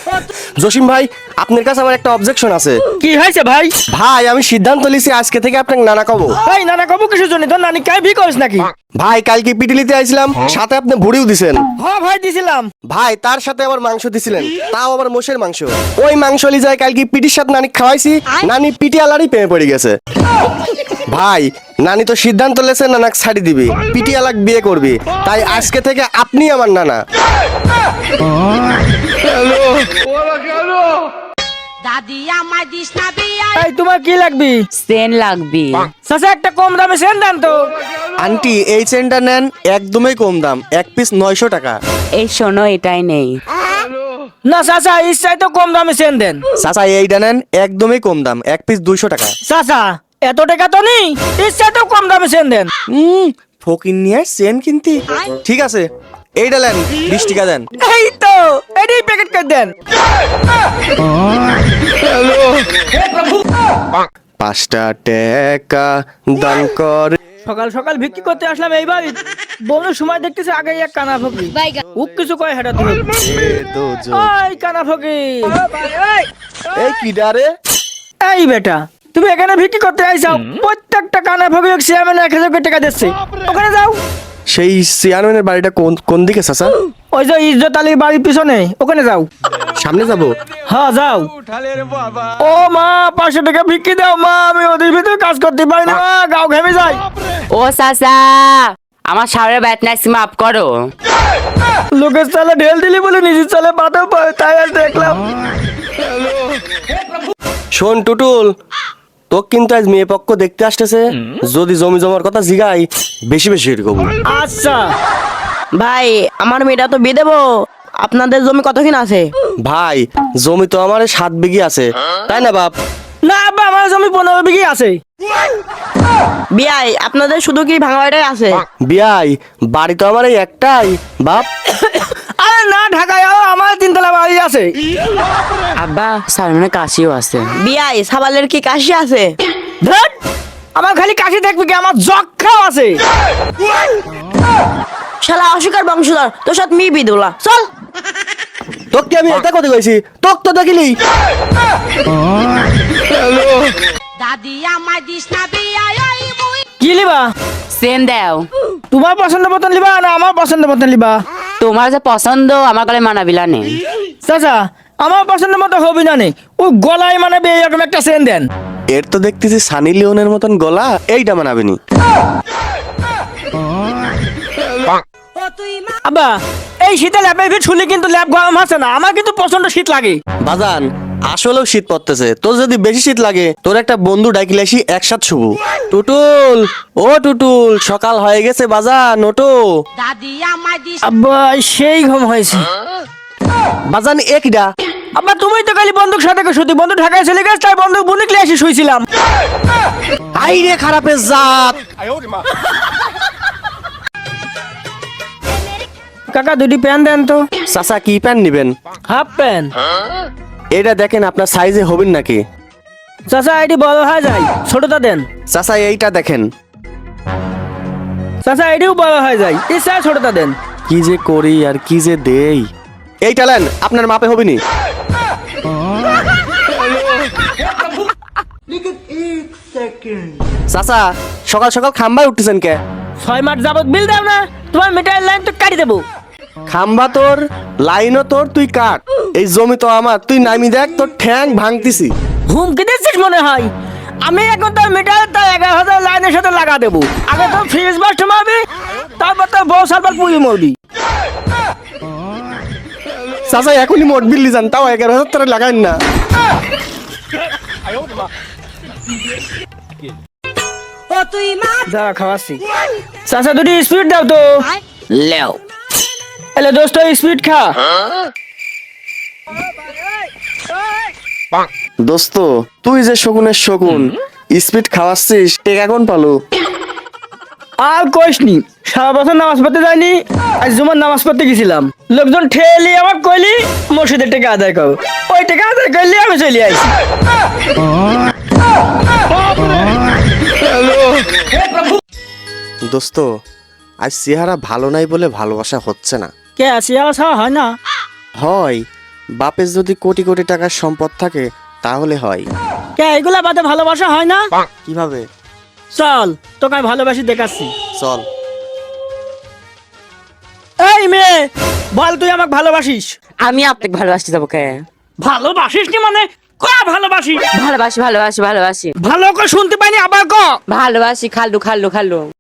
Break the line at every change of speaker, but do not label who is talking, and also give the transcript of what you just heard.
জসিম ভাই, আপনার কাছে আমার একটা অবজেকশন আছে।
কি হয়েছে ভাই?
ভাই আমি সিদ্ধান্ত নিয়েছি আজকে থেকে আপনাকে নানা কব।
ভাই নানা কবু কিসের জন্য? তোর নানি কাই ভি করিস নাকি?
ভাই কালকে পিটিলিতে আইছিলাম, সাথে আপনি ভুড়িও দিছেন।
হ্যাঁ ভাই দিছিলাম।
ভাই তার সাথে আবার মাংস দিছিলেন, তাও আবার মোষের মাংস। ওই মাংস লি যায় কালকে পিটির সাথে নানি খাওয়াইছি, নানি পিটি আলারই প্রেমে পড়ে গেছে। ভাই নানি তো সিদ্ধান্ত লেছে নানাক ছাড়ি দিবি, পিটি আলাক বিয়ে করবি, তাই আজকে থেকে আপনি আমার নানা।
দাদি আমায় দিস না বিয়া।
এই তোমার কি লাগবি?
সেন লাগবি।
চাচা একটা কম দামে সেন দেন তো।
আন্টি এই চেনটা নেন, একদমই কম দাম, এক পিস 900 টাকা।
এই শোনো, এটাই নেই।
না চাচা ইচ্ছাই তো কম দামে সেন দেন।
চাচা এইটা নেন, একদমই কম দাম, এক পিস 200 টাকা।
চাচা এত টাকা তো নেই, ইচ্ছাই তো কম দামে সেন দেন।
ফকির নিয়ে চেন কিনতি? ঠিক আছে এইটা নেন, 20 টাকা দেন।
এই তো এটাই প্যাকেট করে দেন।
5টা টাকা দান করে।
সকাল সকাল বিক্রি করতে আসলাম এই বাড়ি, বউনের সময় দেখতেছি আগে এক কানা ফকি ও কিছু কয় হেটা ধরে। ওই কানা ফকি,
এই কিডারে?
এই বেটা তুমি এখানে বিক্রি করতে আইসাও, প্রত্যেকটা কানা ফকি চেয়ারম্যান 1000 করে টাকা দিচ্ছে, ওখানে যাও।
সেই চেয়ারম্যানের বাড়িটা কোন কোন দিকে চাচা?
ওই যে ইজ্জত আলীর বাড়ির পিছনে, ওখানে যাও।
সামনে যাব?
হ্যাঁ যাও। ও মা 500 টাকা বিক্রি দাও মা, আমি ওদের ভিতরে কাজ করতে পারি না মা, গাও ঘেমে যাই।
ও চাচা, আমার সামনে ব্যাট নাইছি, মাফ করো।
লোকের চালে ঢেল দিলি বলে নিজের চালে বাধা পায়, তাই আর দেখলাম।
শোন টুটুল, তো কিন্তু আজ মেয়ে পক্ষ দেখতে আসতেছে, যদি জমি জমার কথা জিগাই বেশি বেশি এরকম।
আচ্ছা
ভাই আমার মেয়েটা তো বিয়ে দেবো, আপনাদের জমি কতক্ষণ আছে?
ভাই জমি তো আমার 7 বিঘি আছে, তাই না বাপ?
না আব্বা আমার জমি 15 বিঘি আছে।
বিয়াই আপনাদের শুধু কি ভাঙা বাড়িটাই আছে?
বিয়াই বাড়ি তো আমার এই একটাই বাপ।
আরে না ঢাকায় আমার 3 তলা বাড়ি আছে।
আব্বা সালমানের কাশিও আছে।
বিয়াই সাবালের কি কাশি আছে?
ধুর, আমার খালি কাশি দেখবি কি, আমার যক্ষাও আছে।
শালা অস্বীকার বংশধর, তোর সাথে মি বিদুলা চল।
তোকে আমি এটা কথা কইছি, তোক তো দেখিলি।
দাদি আমায় দিস না বিয়া। ওই মুই
কি লিবা?
সেন দাও।
তোমার পছন্দ মতন লিবা না আমার পছন্দ মতন লিবা?
তোমার যে পছন্দ আমার গলে মানাবিলা নেই।
চাচা আমার পছন্দ মতো হবে না নে, ও গলায় মানাবে এরকম একটা সেন দেন।
এর তো দেখতেছি সানি লিওনের মতন গলা, এইটা মানাবেনি।
ও তুই মা
আব্বা এই শীতে ল্যাপের ভিতর শুলি কিন্তু ল্যাপ গরম আছে না, আমার কিন্তু প্রচন্ড শীত লাগে।
বাজান আসলেও শীত পড়তেছে, তোর যদি বেশি শীত লাগে তোর একটা বন্ধু ডাকিলে আসি একসাথ শুভ। টুটুল, ও টুটুল, সকাল হয়ে গেছে বাজান, ওটো।
দাদি আমায় দিস।
আব্বা সেই ঘুম হয়েছে।
বাজান একডা।
আব্বা তুমি তো খালি বন্দুক সাথে শুতি, বন্ধু ঢাকায় চলে গেছে তাই বন্দুক বুনিকলে এসে শুইছিলাম।
আই রে খারাপের জাত।
কাকা দুটি প্যান্ট দেন তো।
চাচা কি প্যান্ট নিবেন?
Half pant.
এটা দেখেন আপনার সাইজে হবেন নাকি?
চাচা এটি বড় হয়ে যায়, ছোটটা দেন।
চাচা এইটা দেখেন।
চাচা এটিও বড় হয়ে যায়, ইচ্ছা ছোটটা দেন।
কি যে করি আর কি যে দেই। এইটা নেন, আপনার মাপে হবেনি। চাচা সকাল সকাল খাম্বায় উঠতেছেন কে?
6 মাস যাবত বিল দাও না, তোমার মিটারের লাইন তো কাটি দেবো।
খাম্বা তোর, লাইনও তোর, তুই কাট। এই জমি তো আমার, তুই নামি দেখ তোর ঠ্যাং ভাঙতিছি।
হুমকি দিচ্ছিস মনে হয়? আমি এখন তোর মিটার তার 11,000 লাইনের সাথে লাগা দেবো। আগে তোর ফ্রিজ বাস্ট মারবি, তারপর তোর বউ সালবার পুড়িয়ে মরবি।
চাচা এখনই মোট বিল্লি যান, তাও 11,000 টাকা লাগাইন না।
ও তুই মা
যা খাওয়াচ্ছি। চাচা দুটি স্পিড দাও তো।
লেও।
এলে দোস্ত স্পিড খা।
দোস্ত তুই যে শকুনের শকুন, স্পিড খাওয়াচ্ছিস, টেকা কোন পালো?
আর কইসনি, সারা বছর নামাজ পড়তে যাইনি, আজ জুমার নামাজ পড়তে গেছিলাম। লোকজন ঠেলি আমার কইলি মসজিদের টাকা আদায় করো, ওই টাকা আদায় করলে আমি চলে আইছি।
দোস্ত আজ চেহারা ভালো নাই বলে ভালোবাসা হচ্ছে না।
কে আছে আসা হয় না?
হয় বাপের যদি কোটি কোটি টাকার সম্পদ থাকে তাহলে হয়।
কে এগুলা বাদে ভালোবাসা হয় না?
কিভাবে?
চল তোকে আমি ভালোবাসি দেখাচ্ছি।
চল।
এই মেয়ে, বল তুই আমাকে ভালোবাসিস?
আমি আপনাকে ভালোবাসতে যাবো কে?
ভালোবাসিস নি মানে ক ভালোবাসি?
ভালোবাসি ভালোবাসি ভালোবাসি
ভালো করে শুনতে পাইনি, আবার ক।
ভালোবাসি খালু খালু খালু।